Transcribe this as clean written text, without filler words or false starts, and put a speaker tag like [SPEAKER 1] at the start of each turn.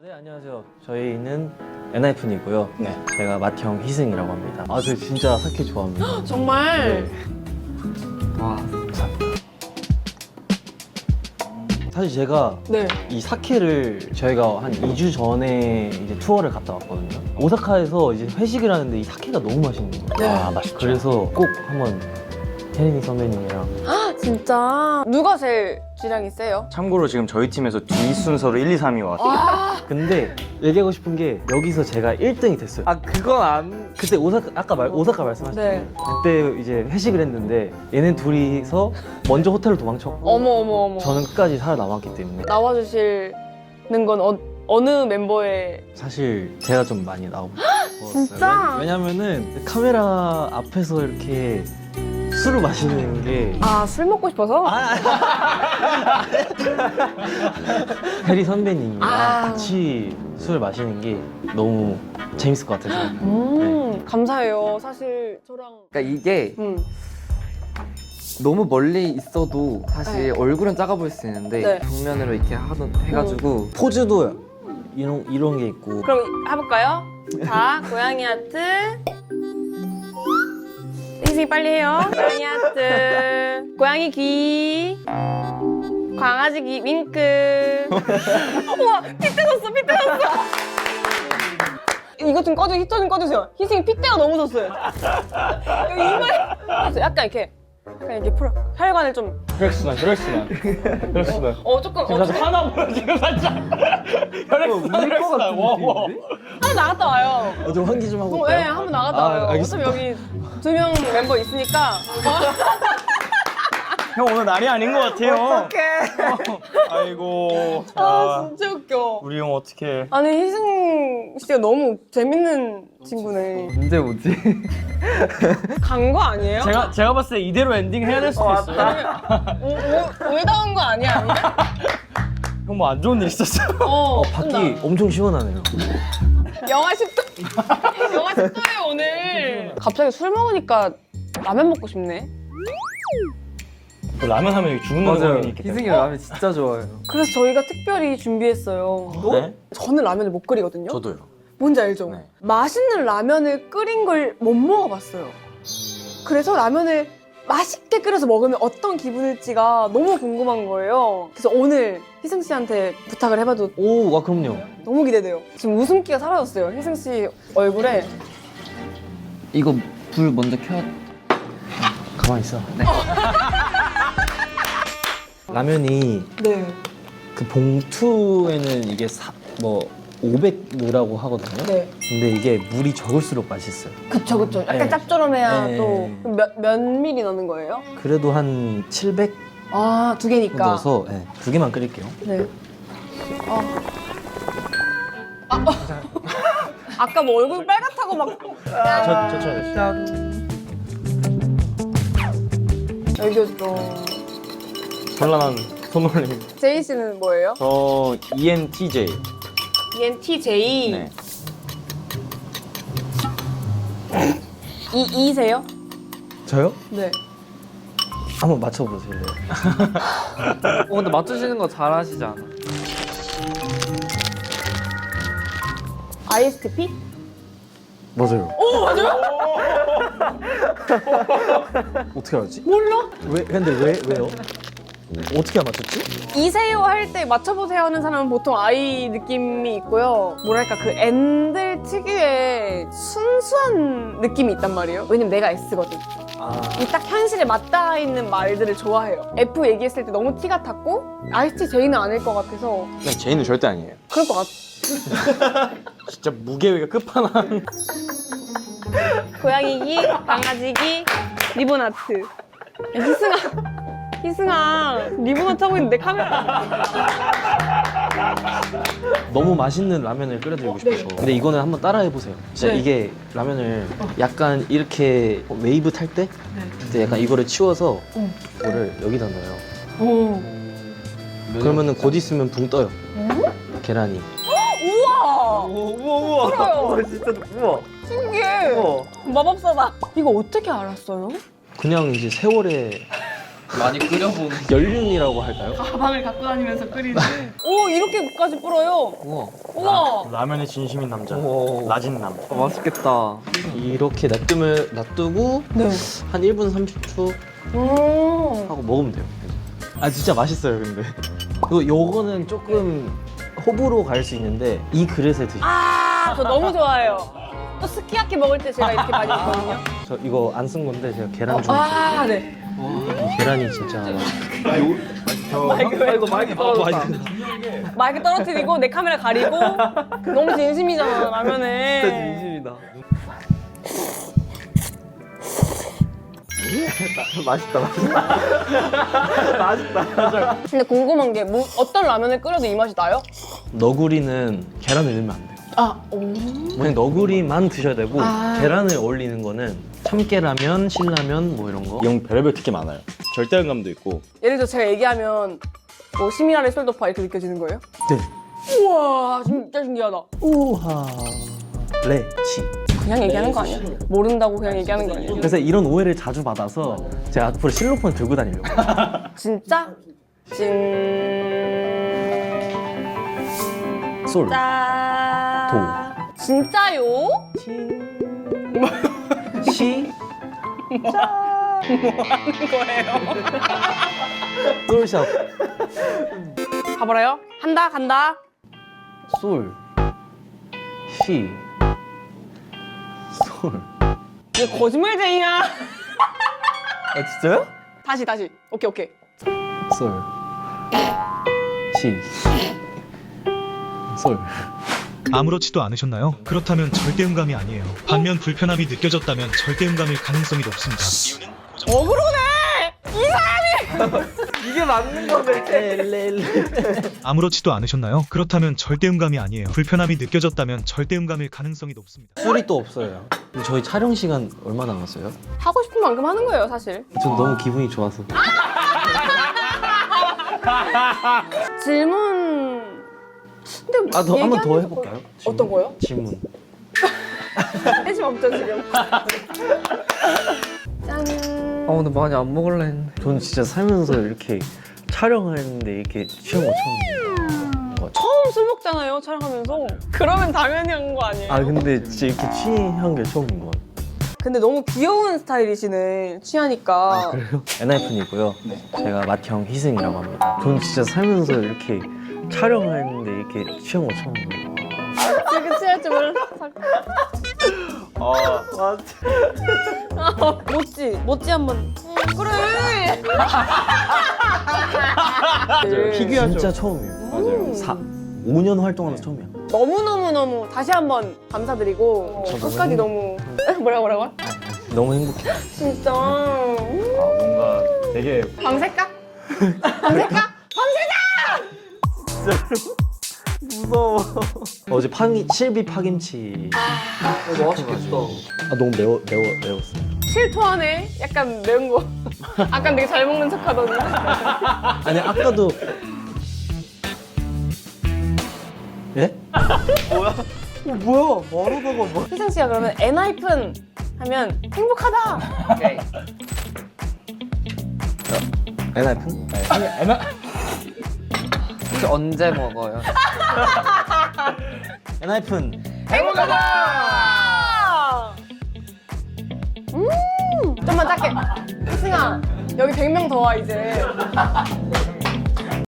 [SPEAKER 1] 네, 안녕하세요. 저희는 엔하이픈이고요.
[SPEAKER 2] 네.
[SPEAKER 1] 제가 맏형 희승이라고 합니다. 아, 저 진짜 사케 좋아합니다.
[SPEAKER 3] 정말?
[SPEAKER 1] 와, 감사합니다. 사실 제가
[SPEAKER 3] 네.
[SPEAKER 1] 이 사케를 저희가 한 2주 전에 이제 투어를 갔다 왔거든요. 오사카에서 이제 회식을 하는데 이 사케가 너무 맛있는 거예요.
[SPEAKER 3] 네.
[SPEAKER 2] 아, 맛있죠.
[SPEAKER 1] 그래서 꼭 한번 혜린이 선배님이랑
[SPEAKER 3] 진짜. 누가 제일 주량이 세요?
[SPEAKER 2] 참고로 지금 저희 팀에서 뒤 순서로 1, 2, 3위 왔어요.
[SPEAKER 1] 근데 얘기하고 싶은 게 여기서 제가 1등이 됐어요.
[SPEAKER 2] 아, 그건 안...
[SPEAKER 1] 그때 오사카 오사카 말씀하셨죠?
[SPEAKER 3] 네.
[SPEAKER 1] 그때 이제 회식을 했는데 얘네 둘이서 먼저 호텔로 도망쳤고
[SPEAKER 3] 어머.
[SPEAKER 1] 저는 끝까지 살아남았기 때문에
[SPEAKER 3] 나와주시는 건 어느 멤버의.
[SPEAKER 1] 사실 제가 좀 많이 나오고 싶었어요.
[SPEAKER 3] 진짜?
[SPEAKER 1] 왜냐면은 카메라 앞에서 이렇게 술을 마시는 게
[SPEAKER 3] 술 먹고 싶어서?
[SPEAKER 1] 혜리 선배님이랑
[SPEAKER 3] 아.
[SPEAKER 1] 같이 술을 마시는 게 너무 재밌을 것 같아서
[SPEAKER 3] 감사해요. 사실 저랑.
[SPEAKER 4] 그러니까 이게
[SPEAKER 3] 음.
[SPEAKER 4] 너무 멀리 있어도 사실
[SPEAKER 3] 네.
[SPEAKER 4] 얼굴은 작아 보일 수 있는데
[SPEAKER 3] 네.
[SPEAKER 4] 정면으로 이렇게 해가지고
[SPEAKER 1] 포즈도 이런 게 있고
[SPEAKER 3] 그럼 해볼까요? 자, 고양이 하트. 희승이 빨리 해요. 고양이 하트. 고양이 귀. 강아지 귀. 윙크. 우와, 피 뜯었어. 이것 좀 꺼주세요. 히터 좀 꺼주세요. 희승이 핏대가 너무 졌어요. 여기 이마에. 약간 이렇게 풀어. 혈관을 좀.
[SPEAKER 2] 혈액순환.
[SPEAKER 3] 조금.
[SPEAKER 2] 하나 보여, 지금 살짝. 혈액순환. 와.
[SPEAKER 3] 한번 나갔다 와요.
[SPEAKER 1] 좀 환기 좀 하고
[SPEAKER 3] 네,
[SPEAKER 1] 올까요?
[SPEAKER 3] 한번 나갔다 와요.
[SPEAKER 1] 알겠습니다.
[SPEAKER 3] 어차피 여기 2명 멤버 있으니까.
[SPEAKER 2] 형 오늘 날이 아닌 것 같아요. 어떡해. 아이고.
[SPEAKER 3] 진짜 웃겨.
[SPEAKER 2] 우리 형 어떡해.
[SPEAKER 3] 아니, 희승 씨가 너무 재밌는 친구네.
[SPEAKER 4] 언제 오지?
[SPEAKER 3] 간 거 아니에요?
[SPEAKER 2] 제가 봤을 때 이대로 엔딩 해야 될 수도 있어요.
[SPEAKER 3] 울다 온 거 아니야?
[SPEAKER 2] 형 뭐 안 좋은 일 있었어요?
[SPEAKER 1] 밖이 엄청 시원하네요.
[SPEAKER 3] 영하 10도. 영하 10도에 오늘. 갑자기 술 먹으니까 라면 먹고 싶네.
[SPEAKER 2] 라면 하면 죽는
[SPEAKER 4] 맞아요.
[SPEAKER 2] 사람이 있기 때문에.
[SPEAKER 4] 희승이 라면 진짜 좋아해요.
[SPEAKER 3] 그래서 저희가 특별히 준비했어요.
[SPEAKER 1] 네?
[SPEAKER 3] 저는 라면을 못 끓이거든요.
[SPEAKER 1] 저도요.
[SPEAKER 3] 뭔지 알죠?
[SPEAKER 1] 네.
[SPEAKER 3] 맛있는 라면을 끓인 걸 못 먹어봤어요. 그래서 라면을 맛있게 끓여서 먹으면 어떤 기분일지가 너무 궁금한 거예요. 그래서 오늘 희승 씨한테 부탁을 해봐도
[SPEAKER 1] 오, 그럼요.
[SPEAKER 3] 너무 기대돼요. 지금 웃음기가 사라졌어요. 희승 씨 얼굴에.
[SPEAKER 4] 이거 불 먼저 켜.
[SPEAKER 1] 가만히 있어.
[SPEAKER 4] 네.
[SPEAKER 1] 라면이
[SPEAKER 3] 네.
[SPEAKER 1] 그 봉투에는 이게 500 넣으라고 하거든요.
[SPEAKER 3] 네.
[SPEAKER 1] 근데 이게 물이 적을수록 맛있어요.
[SPEAKER 3] 그쵸. 약간
[SPEAKER 1] 네.
[SPEAKER 3] 짭조름해야
[SPEAKER 1] 네.
[SPEAKER 3] 또. 몇 미리 넣는 거예요?
[SPEAKER 1] 그래도 한 700
[SPEAKER 3] 두 개니까.
[SPEAKER 1] 넣어서 두 개만 끓일게요.
[SPEAKER 3] 네. 아까 뭐 얼굴 빨갛다고 막.
[SPEAKER 1] 저
[SPEAKER 3] 알려줘.
[SPEAKER 2] 곤란한 손놀림.
[SPEAKER 3] 제이 씨는 뭐예요?
[SPEAKER 2] 저 ENTJ.
[SPEAKER 3] ENTJ.
[SPEAKER 2] 네.
[SPEAKER 3] E세요?
[SPEAKER 1] 저요?
[SPEAKER 3] 네.
[SPEAKER 1] 한번 맞춰보실래요?
[SPEAKER 4] 근데 맞추시는 거 잘하시지 않아?
[SPEAKER 3] ISTP?
[SPEAKER 1] 맞아요.
[SPEAKER 3] 오, 맞아요?
[SPEAKER 1] 어떻게 알았지?
[SPEAKER 3] 몰라?
[SPEAKER 1] 근데 왜요? 어떻게 안 맞췄지?
[SPEAKER 3] 이세요 할 때 맞춰보세요 하는 사람은 보통 I 느낌이 있고요. 뭐랄까, 그 N들 특유의 순수한 느낌이 있단 말이에요. 왜냐면 내가 S거든. 이 딱 현실에 맞닿아 있는 말들을 좋아해요. F 얘기했을 때 너무 T 같았고, ISTJ는 아닐 것 같아서.
[SPEAKER 2] 네, 제이는 절대 아니에요.
[SPEAKER 3] 그럴 것 같아.
[SPEAKER 2] 진짜 무게위가 끝판왕.
[SPEAKER 3] 고양이기, 강아지기, 리본 아트. 희승아, 리본 아트 하고 있는데 카메라.
[SPEAKER 1] 너무 맛있는 라면을 끓여드리고 싶어서. 근데 이거는 한번 따라해보세요. 진짜
[SPEAKER 3] 네.
[SPEAKER 1] 이게 라면을 약간 이렇게 웨이브 탈 때? 그때 약간 이거를 치워서 이거를 여기다 넣어요.
[SPEAKER 3] 오.
[SPEAKER 1] 그러면은 곧 있으면 붕 떠요. 계란이.
[SPEAKER 3] 우와!
[SPEAKER 2] 우와.
[SPEAKER 3] 그래요.
[SPEAKER 2] 진짜 우와.
[SPEAKER 3] 신기해.
[SPEAKER 2] 우와.
[SPEAKER 3] 마법사다. 이거 어떻게 알았어요?
[SPEAKER 1] 그냥 이제 세월에
[SPEAKER 4] 많이 끓여보는.
[SPEAKER 1] 연륜이라고 할까요?
[SPEAKER 3] 가방을 갖고 다니면서 끓이는. 오 이렇게까지 불어요.
[SPEAKER 4] 우와.
[SPEAKER 3] 우와.
[SPEAKER 2] 라면에 진심인 남자.
[SPEAKER 4] 오.
[SPEAKER 2] 라진남.
[SPEAKER 4] 맛있겠다.
[SPEAKER 1] 이렇게 놔두고
[SPEAKER 3] 네.
[SPEAKER 1] 한 1분 30초 하고 먹으면 돼요. 아 진짜 맛있어요 근데. 요거는 조금 호불호 갈 수 있는데 이 그릇에 드시면
[SPEAKER 3] 저 너무 좋아해요. 또 스키야키 먹을 때 제가 이렇게 많이 먹거든요.
[SPEAKER 1] 저 이거 안 쓴 건데 제가 계란 좀
[SPEAKER 3] 네.
[SPEAKER 1] 이 계란이 진짜
[SPEAKER 3] 마이크 떨어뜨리고 내 카메라 가리고 너무 진심이잖아 라면에.
[SPEAKER 1] 진심이다. 맛있다.
[SPEAKER 3] 근데 궁금한 게 어떤 라면을 끓여도 이 맛이 나요?
[SPEAKER 1] 너구리는 계란을 넣으면 안 돼요. 만약 너구리만 드셔야 되고 계란을 어울리는 거는 참깨라면, 신라면 뭐 이런 거.
[SPEAKER 2] 이형 별의별 특기 많아요. 절대음감도 있고.
[SPEAKER 3] 예를 들어 제가 얘기하면 뭐 시미라레 솔더파 이렇게 느껴지는 거예요?
[SPEAKER 1] 네.
[SPEAKER 3] 우와 진짜 신기하다.
[SPEAKER 1] 우하 레치.
[SPEAKER 3] 그냥 얘기하는 거 아니야? 모른다고 그냥 얘기하는 거 아니야?
[SPEAKER 1] 그래서 이런 오해를 자주 받아서 제가 앞으로 실로폰 들고 다니려고.
[SPEAKER 3] 진짜?
[SPEAKER 1] 솔.
[SPEAKER 3] 진짜요?
[SPEAKER 1] 시.
[SPEAKER 3] 하는 거예요?
[SPEAKER 1] 솔샵.
[SPEAKER 3] 가버려요? 간다.
[SPEAKER 1] 솔. 시. 솔.
[SPEAKER 3] 이게 거짓말쟁이야.
[SPEAKER 1] 아 진짜요?
[SPEAKER 3] 다시. 오케이.
[SPEAKER 1] 솔. 시. 솔.
[SPEAKER 5] 아무렇지도 않으셨나요? 그렇다면 절대음감이 아니에요. 반면 불편함이 느껴졌다면 절대음감일 가능성이 높습니다. 이유는
[SPEAKER 3] 억울하네!
[SPEAKER 1] 이게 맞는 건데.
[SPEAKER 5] 아무렇지도 않으셨나요? 그렇다면 절대음감이 아니에요. 불편함이 느껴졌다면 절대음감일 가능성이 높습니다.
[SPEAKER 1] 술이 또 없어요. 근데 저희 촬영 시간 얼마 남았어요?
[SPEAKER 3] 하고 싶은 만큼 하는 거예요, 사실.
[SPEAKER 1] 전 너무 기분이 좋아서.
[SPEAKER 3] 질문. 근데
[SPEAKER 1] 한 번 더
[SPEAKER 3] 얘기하면서
[SPEAKER 1] 해볼까요?
[SPEAKER 3] 어떤 거요?
[SPEAKER 1] 질문.
[SPEAKER 3] 관심 없죠, 지금. 짠.
[SPEAKER 4] 근데 많이 안 먹을래 했는데.
[SPEAKER 1] 전 진짜 살면서 이렇게 촬영하는데 이렇게 취한 거 처음이에요.
[SPEAKER 3] 처음 술 먹잖아요, 촬영하면서. 그러면 당연히 한 거 아니에요?
[SPEAKER 1] 아 근데 진짜 이렇게 취한 게 처음인 것 같아요.
[SPEAKER 3] 근데 너무 귀여운 스타일이시네, 취하니까.
[SPEAKER 1] 그래요? 엔하이픈이고요. 제가 맏형 희승이라고 합니다. 전 진짜 살면서 이렇게 촬영하는데 이렇게 취한 거 처음이에요.
[SPEAKER 3] 지금 취할 줄 몰랐어. 모찌 한번. 그래.
[SPEAKER 1] 진짜 처음이에요. 맞아요. 5년 활동하면서 처음이야.
[SPEAKER 3] 너무 다시 한번 감사드리고
[SPEAKER 1] 저도
[SPEAKER 3] 끝까지 너무 뭐라고?
[SPEAKER 1] 너무 행복해요.
[SPEAKER 3] 진짜.
[SPEAKER 2] 뭔가 되게
[SPEAKER 3] 밤새까? 밤새까?
[SPEAKER 1] 무서워. 어제 실비 파김치.
[SPEAKER 4] 맛있겠다.
[SPEAKER 1] 너무 매웠어요.
[SPEAKER 3] 실토하네. 약간 매운 거. 아까 되게 잘 먹는 척하던데.
[SPEAKER 1] 아니 아까도 예? 뭐야? 말하다가 뭐?
[SPEAKER 3] 희승 씨가 그러면 엔하이픈 하면 행복하다.
[SPEAKER 4] 오케이.
[SPEAKER 1] 엔하이픈?
[SPEAKER 4] 혹시 언제 먹어요?
[SPEAKER 1] 엔하이픈.
[SPEAKER 3] 행복하다. 좀만 작게. 희승아 여기 100명 더 와 이제.